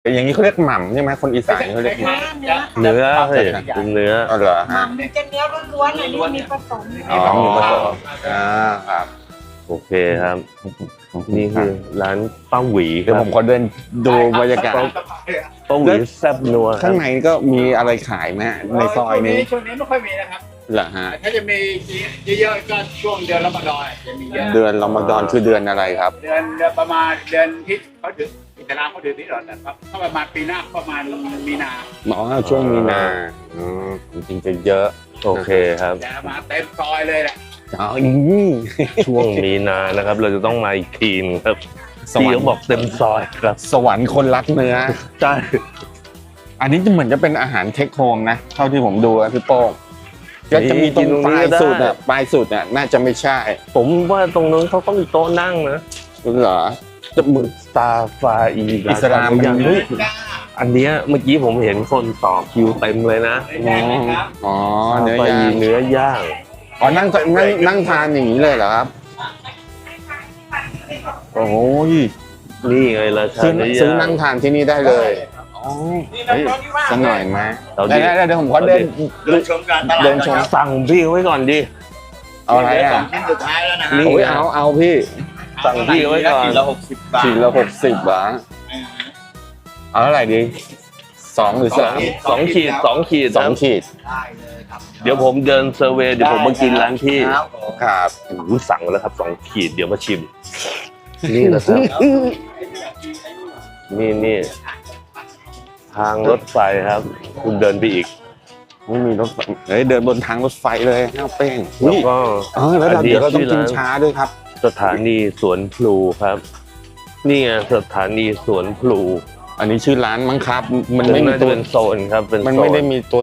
อย่างนี้เขาเรียกหม่ำใช่ไหมคนอีสานเขาเรียกหม่ำเนื้อเฮ้ยเป็นเนื้ออ๋อเหรอหม่ฮะำมันจะเนื้อล้วนๆอันนี้มีผสมอ๋อมีผสมครับโอเคครับ นี่คือร้านป้าหวีคเดี๋ยวรัผบมขอเดินดูบรรยากาศป้าหวีแซ่บนัวครัข้าบงในก็มีอะไรขายไหมฮะในซอยนี้ช่วงนี้ไม่ค่อยมีนะครับเหรอฮะถ้าจะมีเยอะๆก็ช่วงเดือนรอมฎอนจะมีเยอะเดือนรอมฎอนคือเดือนอะไรครับเดือนประมาณเดือนที่เขาถืออิสลามเขาถือที่หรอแต่ก็ประมาณปีหน้าประมาณมีนาหมอช่วงมีนาจริงๆจะเยอะโอเคครับจะมาเต็มซอยเลยแหละอ๋อช่วงมีนานะครับ เราจะต้องมาอีกทีนึงครับสวรที่รเขาค์บอกเต็มซอยครับสวรรค์คนรักเนื้อใช่อันนี้จะเหมือนจะเป็นอาหารเทคโฮมนะเท่าที่ผมดูนะพี่โป้งก็จะมีตรงปลายสุดอ่ะปลายสุดอ่ะน่าจะไม่ใช่ผมว่าตรงนั้นเขาต้องมีโต๊ะนั่งนะเหรอจะมือสตาร์ฟาอีอิสลามมันเฮ้ยอันเนี้ยเมื่อกี้ผมเห็นคนต่อคิวเต็มเลยนะอ๋อสตาเนื้อฟาย่าอีงเนื้อย่างอ๋อนั่งทานอย่างนี้เลยเหรอครับโอ้ยนี่ไงราชาซื้อเนื้อซื้อย่างงนั่งทานที่นี่ได้เลยอ๋อเฮ้ยสักหน่อยไหมเอาดิได้เดี๋ยวผมขอเดินเดินชมการตลาดเดินชมสั่งพี่ไว้ก่อนดิเอาอะไรอ่ะชิ้นสุดท้ายแล้วนะนี่โอ้ยเอาพี่สั่งพี่ไว้ก่อนขีดละ60 บาทขีดละ60 บาทเอาเท่าไหร่ดี2หรือสองขีดสองขีด 3 2ขีดได้เลยครับเดี๋ยวผมเดินเซอร์เวย์เดี๋ยวผมมากินร้านพี่ครับผมครับอู้สั่งแล้วครับ2 ขีดเดี๋ยวมาชิม นี่นะครับ นี่ทางรถไฟครับ คุณเดินไปอีกไม่มีรถไฟเฮ้ยเดินบนทางรถไฟเลยข้าวเป้งแล้วก็แล้วอันนี้เดี๋ยวเราต้องกินชื่อร้านช้าด้วยครับสถานีสวนพลูครับ นี่ไงสถานีสวนพลูอันนี้ชื่อร้านมั้งครับ มันไม่มีน่าจะตัวเป็นโซนครับเป็นมันโซไม่นได้มีตัว